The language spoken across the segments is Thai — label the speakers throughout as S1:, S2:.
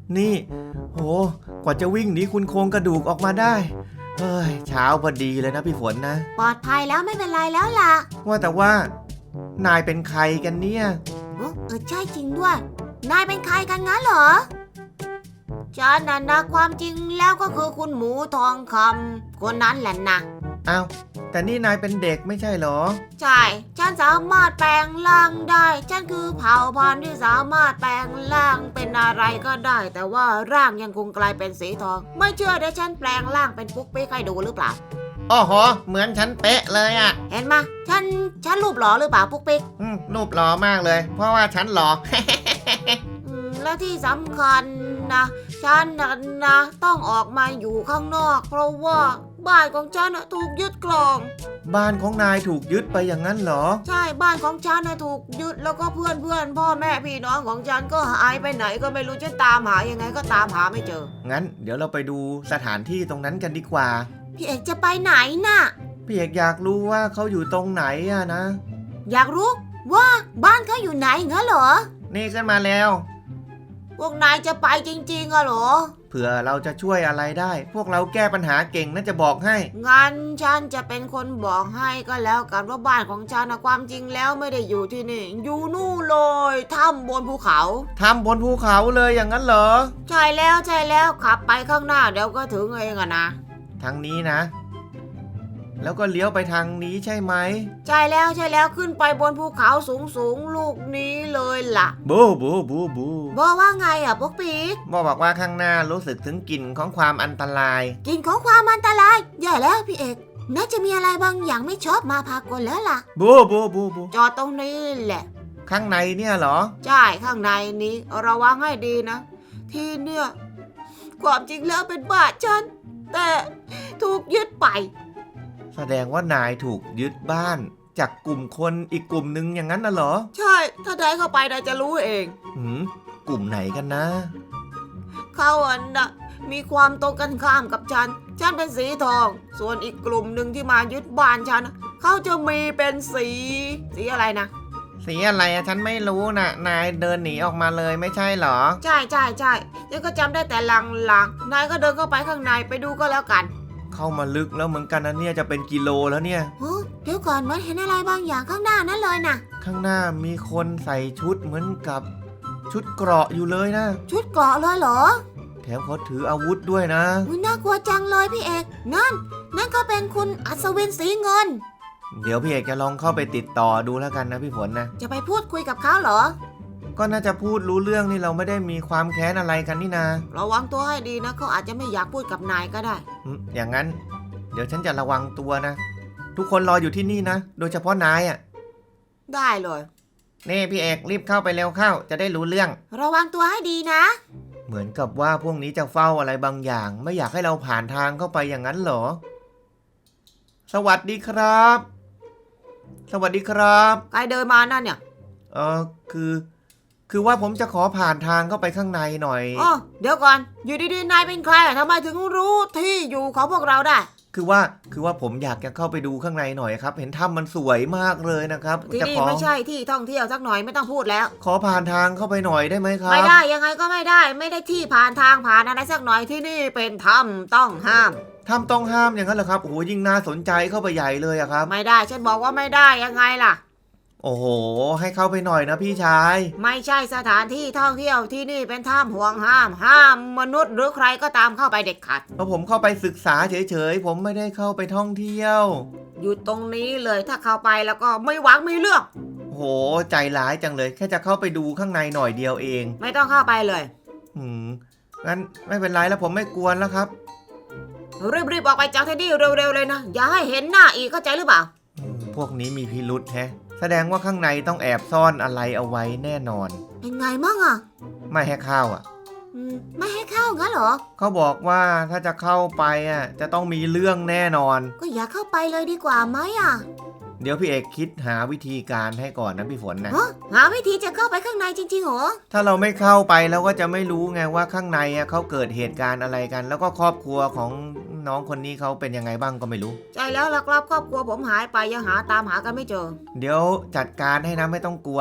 S1: นี่โหกว่าจะวิ่งหนีคุณโครงกระดูกออกมาได้เฮ้ยเช้าพอดีเลยนะพี่ฝนนะ
S2: ปลอดภัยแล้วไม่เป็นไรแล้วล่ะ
S1: ว่าแต่ว่านายเป็นใครกันเนี่ย
S2: ใช่จริงด้วยนายเป็นใครกันงั้นเหรอฉันนะความจริงแล้วก็คือคุณหมูทองคำคนนั้นแหละนะ
S1: อ้าวแต่นี่นายเป็นเด็กไม่ใช่เหรอ
S2: ใช่ฉันสามารถแปลงร่างได้ฉันคือเผ่าพันธุ์ที่สามารถแปลงร่างเป็นอะไรก็ได้แต่ว่าร่างยังคงกลายเป็นสีทองไม่เชื่อเดี๋ยวฉันแปลงร่างเป็นปุ๊กปิ๊กให้ดูหรือเปล่า
S1: อ๋อโหเหมือนฉันเป๊ะเลยอ่ะ
S2: เห็นไหมฉันรูปหล่อหรือเปล่าปุ๊กปิ๊ก
S1: รูปหล่อมากเลยเพราะว่าฉันหล่อ
S2: และที่สำคัญนะฉันนะต้องออกมาอยู่ข้างนอกเพราะว่าบ้านของฉันถูกยึดกลอง
S1: บ้านของนายถูกยึดไปอย่างนั้นเหรอ
S2: ใช่บ้านของฉันถูกยึดแล้วก็เพื่อนพ่อแม่พี่น้องของฉันก็หายไปไหนก็ไม่รู้จะตามหายังไงก็ตามหาไม่เจอ
S1: งั้นเดี๋ยวเราไปดูสถานที่ตรงนั้นกันดีกว่า
S2: พี่เอกจะไปไหนน่ะ
S1: พี่เอกอยากรู้ว่าเขาอยู่ตรงไหนอะนะ
S2: อยากรู้ว่าบ้านเขาอยู่ไหนงั้นเหรอ
S1: นี่ขึ้นมาแล้ว
S2: พวกนายจะไปจริงๆเหรอ
S1: เผื่อเราจะช่วยอะไรได้พวกเราแก้ปัญหาเก่งน่าจะบอกให้
S2: งั้นฉันจะเป็นคนบอกให้ก็แล้วกันว่าบ้านของฉันความจริงแล้วไม่ได้อยู่ที่นี่อยู่นู่นเลยถ้ำบนภูเขา
S1: ถ้ำบนภูเขาเลยอย่างนั้นเหรอ
S2: ใช่แล้วขับไปข้างหน้าเดี๋ยวก็ถึงเองอะนะ
S1: ทางนี้นะแล้วก็เลี้ยวไปทางนี้ใช่ไหม
S2: ใช่แล้วขึ้นไปบนภูเขาสูงลูกนี้เลยล่ะ
S1: บู
S2: บอกว่าไงอ่ะปุ๊กปิ๊ก
S1: บอกว่าข้างหน้ารู้สึกถึงกลิ่นของความอันตราย
S2: กลิ่นของความอันตรายแย่แล้วพี่เอกน่าจะมีอะไรบางอย่างไม่ชอบมาพากลแล้วล่ะ
S1: บู
S2: จอดตรงนี้แหละ
S1: ข้างในเนี่ยเหรอ
S2: ใช่ข้างในนี้ระวังให้ดีนะที่เนี่ยความจริงแล้วเป็นบ้านฉันแต่ถูกยึดไป
S1: แสดงว่านายถูกยึดบ้านจากกลุ่มคนอีกกลุ่มนึงอย่างนั้นน่ะเหรอ
S2: ใช่ถ้าได้เข้าไปนายจะรู้เอง
S1: กลุ่มไหนกันนะ
S2: เขามีความตรงกันข้ามกับฉันเป็นสีทองส่วนอีกกลุ่มหนึ่งที่มายึดบ้านฉันเขาจะมีเป็นสีอะไรนะ
S1: สีอะไรอะฉันไม่รู้นะนายเดินหนีออกมาเลยไม่ใช่เหรอ
S2: ใช่ฉันก็จำได้แต่ลางนายก็เดินเข้าไปข้างในไปดูก็แล้วกัน
S1: เข้ามาลึกแล้วเหมือนกันนะเนี่ยจะเป็นกิโลแล้วเนี่ย
S2: เดี๋ยวก่อนมันเห็นอะไรบางอย่างข้างหน้านั่นเลยนะ
S1: ข้างหน้ามีคนใส่ชุดเหมือนกับชุดเกราะอยู่เลยนะ
S2: ชุดเกราะเลยเหรอ
S1: แถมเขาถืออาวุธด้วยนะ
S2: น่ากลัวจังเลยพี่เอกนั่นก็เป็นคุณอัศวินสีเงิน
S1: เดี๋ยวพี่เอกจะลองเข้าไปติดต่อดูแล้วกันนะพี่ฝนนะ
S2: จะไปพูดคุยกับเขาเหรอ
S1: ก็น่าจะพูดรู้เรื่องนี่เราไม่ได้มีความแค้นอะไรกันนี่นา
S2: ระวังตัวให้ดีนะเขาอาจจะไม่อยากพูดกับนายก็ได้
S1: อย่างนั้นเดี๋ยวฉันจะระวังตัวนะทุกคนรออยู่ที่นี่นะโดยเฉพาะนายอ่ะ
S2: ได้เลย
S1: นี่พี่เอกรีบเข้าไปเร็วเข้าจะได้รู้เรื่อง
S2: ระวังตัวให้ดีนะ
S1: เหมือนกับว่าพวกนี้จะเฝ้าอะไรบางอย่างไม่อยากให้เราผ่านทางเข้าไปอย่างนั้นเหรอสวัสดีครับสวัสดีครับ
S2: ใครเดินมานั่นเนี่ย
S1: คือว่าผมจะขอผ่านทางเข้าไปข้างในหน่อย
S2: เดี๋ยวก่อนอยู่ดีๆนายเป็นใครทำไมถึงรู้ที่อยู่ของพวกเราได้
S1: คือว่าผมอยากจะเข้าไปดูข้างในหน่อยครับเห็นถ้ำมันสวยมากเลยนะครับ
S2: ที่นี่ไม่ใช่ที่ท่องเที่ยวสักหน่อยไม่ต้องพูดแล้ว
S1: ขอผ่านทางเข้าไปหน่อยได้ไหมครับ
S2: ไม่ได้ยังไงก็ไม่ได้ที่ผ่านทางผ่านอะไรสักหน่อยที่นี่เป็นถ้ำต้องห้าม
S1: ถ้ำต้องห้ามอย่างนั้นเหรอครับโอ้โหยิ่งน่าสนใจเข้าไปใหญ่เลยอะครับ
S2: ไม่ได้ฉันบอกว่าไม่ได้ยังไงล่ะ
S1: โอ้โหให้เข้าไปหน่อยนะพี่ชาย
S2: ไม่ใช่สถานที่ท่องเที่ยวที่นี่เป็นถ้ำห่วงห้ามมนุษย์หรือใครก็ตามเข้าไปเด็ดขาด
S1: เพราะผมเข้าไปศึกษาเฉยๆผมไม่ได้เข้าไปท่องเที่ยว
S2: อยู่ตรงนี้เลยถ้าเข้าไปแล้วก็ไม่หวังมีเรื่อง
S1: โหใจร้ายจังเลยแค่จะเข้าไปดูข้างในหน่อยเดียวเอง
S2: ไม่ต้องเข้าไปเลย
S1: งั้นไม่เป็นไรแล้วผมไม่กวนแล้วครับ
S2: รีบออกไปจากที่นี่เร็วๆเลยนะอย่าให้เห็นหน้าอีกเข้าใจหรือเปล่า
S1: พวกนี้มีพิรุธแฮะแสดงว่าข้างในต้องแอบซ่อนอะไรเอาไว้แน่นอน
S2: เป็นไงมั่งอ่ะ
S1: ไม่ให้เข้าอ่ะ
S2: ไม่ให้เข้างั้นเหรอ
S1: เขาบอกว่าถ้าจะเข้าไปอ่ะจะต้องมีเรื่องแน่นอน
S2: ก็อย่าเข้าไปเลยดีกว่าไหมอ่ะ
S1: เดี๋ยวพี่เอกคิดหาวิธีการให้ก่อนนะพี่ฝนนะ
S2: หาวิธีจะเข้าไปข้างในจริงๆเหรอ
S1: ถ้าเราไม่เข้าไปแล้วก็จะไม่รู้ไงว่าข้างในเขาเกิดเหตุการณ์อะไรกันแล้วก็ครอบครัวของน้องคนนี้เขาเป็นยังไงบ้างก็ไม่รู้
S2: ใช่แล้วล่ะครับครอบครัวผมหายไปยังตามหากันไม่เจอ
S1: เดี๋ยวจัดการให้นะไม่ต้องกลัว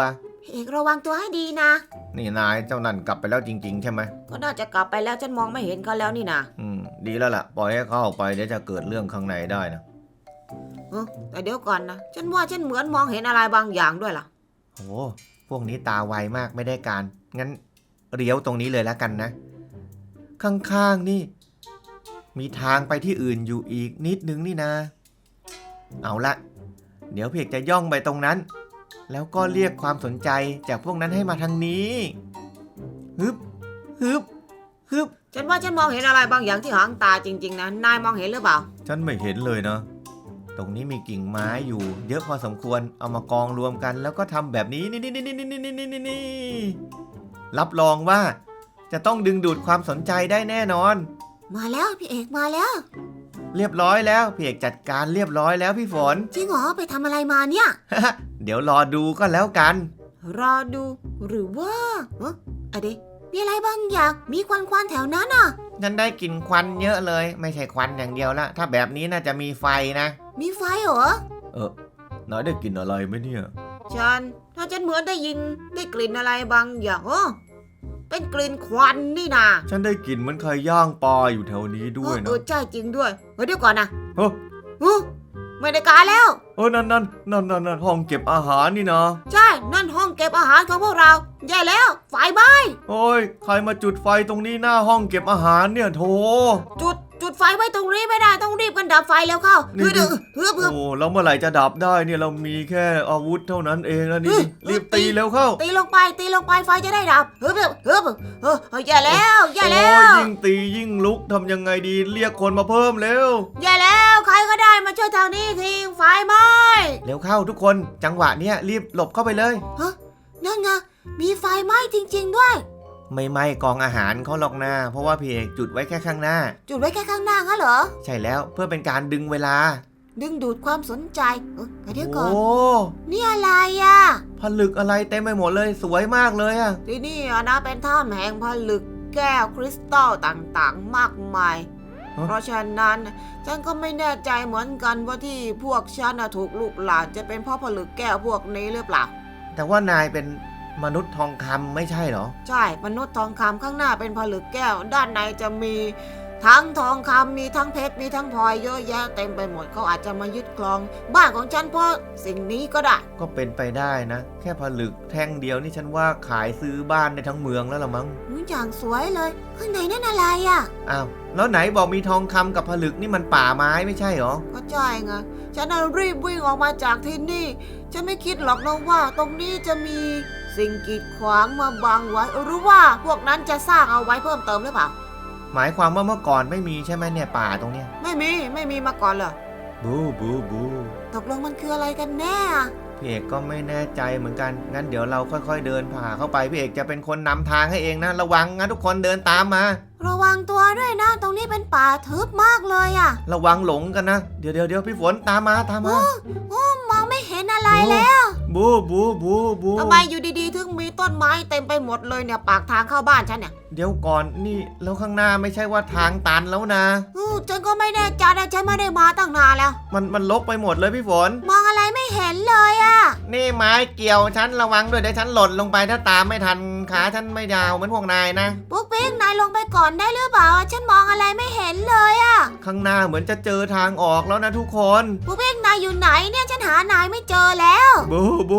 S2: พี่เอกระวังตัวให้ดีนะ
S1: นี่นายเจ้านั่นกลับไปแล้วจริงๆใช่ไหม
S2: ก็น่าจะกลับไปแล้วฉันมองไม่เห็นเขาแล้วนี่นะ
S1: ดีแล้วล่ะ ปล่อยให้เขาออกไปเดี๋ยวจะเกิดเรื่องข้างในได้นะ
S2: แต่เดี๋ยวก่อนนะฉันว่าฉันเหมือนมองเห็นอะไรบางอย่างด้วยล่ะ
S1: โอ้พวกนี้ตาไวมากไม่ได้การ งั้นเลี้ยวตรงนี้เลยแล้วกันนะ ข้างๆนี่ มีทางไปที่อื่นอยู่อีกนิดนึงนี่นะ เอาละเดี๋ยวพี่เอกจะย่องไปตรงนั้น แล้วก็เรียกความสนใจจากพวกนั้นให้มาทางนี้ฮึบฮึบฮึบ
S2: ฉันว่าฉันมองเห็นอะไรบางอย่างที่หางตาจริงๆนะนายมองเห็นหรือเปล่า
S1: ฉันไม่เห็นเลยนะ ตรงนี้มีกิ่งไม้อยู่ เยอะพอสมควรเอามากองรวมกัน แล้วก็ทำแบบนี้นี่รับรองว่าจะต้องดึงดูดความสนใจได้แน่นอน
S2: มาแล้วพี่เอกมาแล้ว
S1: เรียบร้อยแล้วพี่เอกจัดการเรียบร้อยแล้วพี่ฝน
S2: จริงเหรอไปทำอะไรมาเนี่ย
S1: เดี๋ยวรอดูก็แล้วกัน
S2: รอดูหรือว่าอะเดมีอะไรบางอย่างมีควันแถวนั้นอ่ะ
S1: ฉันได้กลิ่นควันเยอะเลย ไม่ใช่ควันอย่างเดียวละถ้าแบบนี้น่าจะมีไฟนะ
S2: มีไฟเหรอ
S1: นายได้กลิ่นอะไรไหมเนี่ย
S2: ถ้าฉันเหมือนได้ยินได้กลิ่นอะไรบางอย่างเป็นกลิ่นควันนี่นา
S1: ฉันได้กลิ่นเหมือนใครย่างปลาอยู่แถวนี้ด้วยนะ
S2: ใช่จริงด้วยเดี๋ยวก่อนนะ
S1: เฮ้ย
S2: ไม่ได้การแล้ว
S1: นั่นห้องเก็บอาหารนี่นะ
S2: ใช่นั่นห้องเก็บอาหารของพวกเราแย่แล้วไฟไหม้
S1: โอ้ยใครมาจุดไฟตรงนี้หน้าห้องเก็บอาหารเนี่ยโถ
S2: จุดไฟไว้ตรงนี้ไม่ได้ต้องรีบกันดับไฟแล้วเข้า
S1: นี่
S2: เพื่อ
S1: โอ้แล้วเมื่อไหร่จะดับได้เนี่ยเรามีแค่อาวุธเท่านั้นเองแล้วนี่รีบตีเร็วเข้า
S2: ตีลงไปไฟจะได้ดับแย่แล้วแย่แล้
S1: โอ้ยว ยิ่งตียิ่งลุกทำยังไงดีเรียกคนมาเพิ่มเร็ว
S2: แย่แล้วใครก็ได้มาช่วยทางนี้ทีไฟไหม้
S1: เร็วเข้าทุกคนจังหวะเนี้ยรีบหลบเข้าไปเลย
S2: นั่นไงมีไฟไหม้จริงๆด้วย
S1: ไม่ไหม้กองอาหารเขาหรอกนะเพราะว่าพี่เอกจุดไว้แค่ข้างหน้า
S2: จุดไว้แค่ข้างหน้างั้นเหรอ
S1: ใช่แล้วเพื่อเป็นการดึงเวลา
S2: ดึงดูดความสนใจเดี๋ยวก่อน
S1: โอ้
S2: นี่อะไรอ่ะ
S1: ผลึกอะไรเต็มไปหมดเลยสวยมากเลยอะ
S2: ที่นี่นะเป็นถ้ำแห่งผลึกแก้วคริสตัลต่างๆมากมาย เพราะฉะนั้นฉันก็ไม่แน่ใจเหมือนกันว่าที่พวกฉันถูกลูกหลานจะเป็นเพราะผลึกแก้วพวกนี้หรือเปล่า
S1: แต่ว่านายเป็นมนุษย์ทองคำไม่ใช่เหรอ
S2: ใช่มนุษย์ทองคำข้างหน้าเป็นผลึกแก้ว ด้านในจะมีทั้งทองคำมีทั้งเพชรมีทั้งพลอยเยอะแยะเต็มไปหมดเขาอาจจะมายึดครองบ้านของฉันเพราะสิ่งนี้ก็ได้
S1: ก็เป็นไปได้นะ แค่ผลึกแท่งเดียวนี่ฉันว่าขายซื้อบ้านในทั้งเมืองแล้วละมั้ง
S2: อย่างสวยเลยข้างในนั่นอะไรอ่ะ
S1: อ้าวแล้วไหนบอกมีทองคำกับผลึกนี่มันป่าไม้ไม่ใช่เหรอ
S2: ก็ใช่ไงฉันรีบวิ่งออกมาจากที่นี่ฉันไม่คิดหรอกนะว่าตรงนี้จะมีสิ่งกีดขวางมาบังไว้หรือว่าพวกนั้นจะสร้างเอาไว้เพิ่มเติมหรือเปล่า
S1: หมายความว่าเมื่อก่อนไม่มีใช่ไหมเนี่ยป่าตรงเนี้ย
S2: ไม่มีมาก่อนเลย
S1: บู
S2: ตกลงมันคืออะไรกันแน่
S1: พี่เอกก็ไม่แน่ใจเหมือนกันงั้นเดี๋ยวเราค่อยๆเดินผ่าเข้าไปพี่เอกจะเป็นคนนำทางให้เองนะระวังนะทุกคนเดินตามมา
S2: ระวังตัวด้วยนะตรงนี้เป็นป่าทึบมากเลยอ่ะ
S1: ระวังหลงกันนะเดี๋ยวพี่ฝนตามมา
S2: มองไม่เห็นอะไรแล้ว
S1: บู
S2: ทำไมอยู่ดีๆถึงมีต้นไม้เต็มไปหมดเลยเนี่ยปากทางเข้าบ้านฉันเนี่ย
S1: เดี๋ยวก่อนนี่แล้วข้างหน้าไม่ใช่ว่าทางตันแล้วนะ
S2: ฉันก็ไม่แน่ใจนะฉันไม่ได้มาตั้งนานแล้ว
S1: มันลกไปหมดเลยพี่ฝน
S2: มองอะไรไม่เห็นเลยอ่ะ
S1: นี่ไม้เกี่ยวฉันระวังด้วยเดี๋ยวฉันหล่นลงไปถ้าตามไม่ทันขาฉันไม่ยาวเหมือนพวกนายนะ
S2: ปุ๊กปิ๊กนายลงไปก่อนได้หรือเปล่าฉันมองอะไรไม่เห็นเลยอ่ะ
S1: ข้างหน้าเหมือนจะเจอทางออกแล้วนะทุกคน
S2: ปุ๊กปิ๊กนายอยู่ไหนเนี่ยฉันหานายไม่เจอแล้ว
S1: บู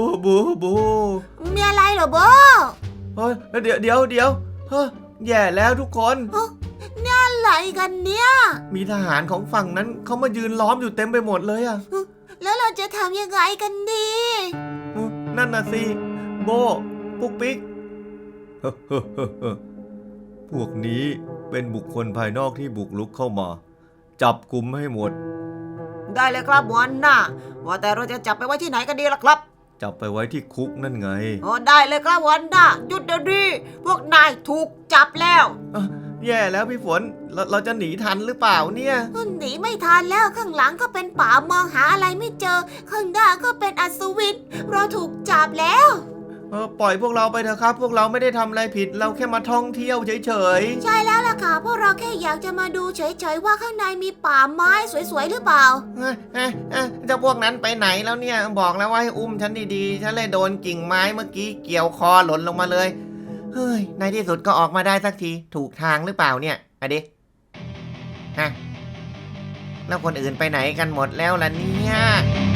S2: มีอะไรเหรอโบ
S1: เฮ้ยเดี๋ยวเฮ้ยแย่แล้วทุกคน
S2: อะไรกันเนี่ย
S1: มีทหารของฝั่งนั้นเขามายืนล้อมอยู่เต็มไปหมดเลยอะ
S2: แล้วเราจะทำยังไงกันดี
S1: นั่นน่ะสิโบปุ๊กปิ๊ก พวกนี้เป็นบุคคลภายนอกที่บุกรุกเข้ามา จับกุมให้หมด
S2: ได้เลยครับหัวหน้าว่าแต่เราจะจับไปไว้ที่ไหนกันดีล่ะครับ
S1: จับไปไว้ที่คุกนั่นไง
S2: ได้เลยครับหัวหน้าหยุดเดี๋ยวนี้พวกนายถูกจับแล้ว
S1: แย่แล้วพี่ฝนเราจะหนีทันหรือเปล่าเนี่ย
S2: หนีไม่ทันแล้วข้างหลังก็เป็นป่ามองหาอะไรไม่เจอข้างหน้าก็เป็นอัศวินเราถูกจับแล้ว
S1: ปล่อยพวกเราไปเถอะครับ พวกเราไม่ได้ทำอะไรผิด เราแค่มาท่องเที่ยวเฉย
S2: ใช่แล้วล่ะค่ะ พวกเราแค่อยากจะมาดูเฉยๆว่าข้างในมีป่าไม้สวยๆหรือเปล่า
S1: ๆเจ้าพวกนั้นไปไหนแล้วเนี่ย บอกแล้วว่าให้อุ้มฉันดีๆ ฉันเลยโดนกิ่งไม้เมื่อกี้เกี่ยวคอหล่นลงมาเลย เฮ้ย ในที่สุดก็ออกมาได้สักที ถูกทางหรือเปล่าเนี่ยอะดิฮะแล้วคนอื่นไปไหนกันหมดแล้วล่ะเนี่ย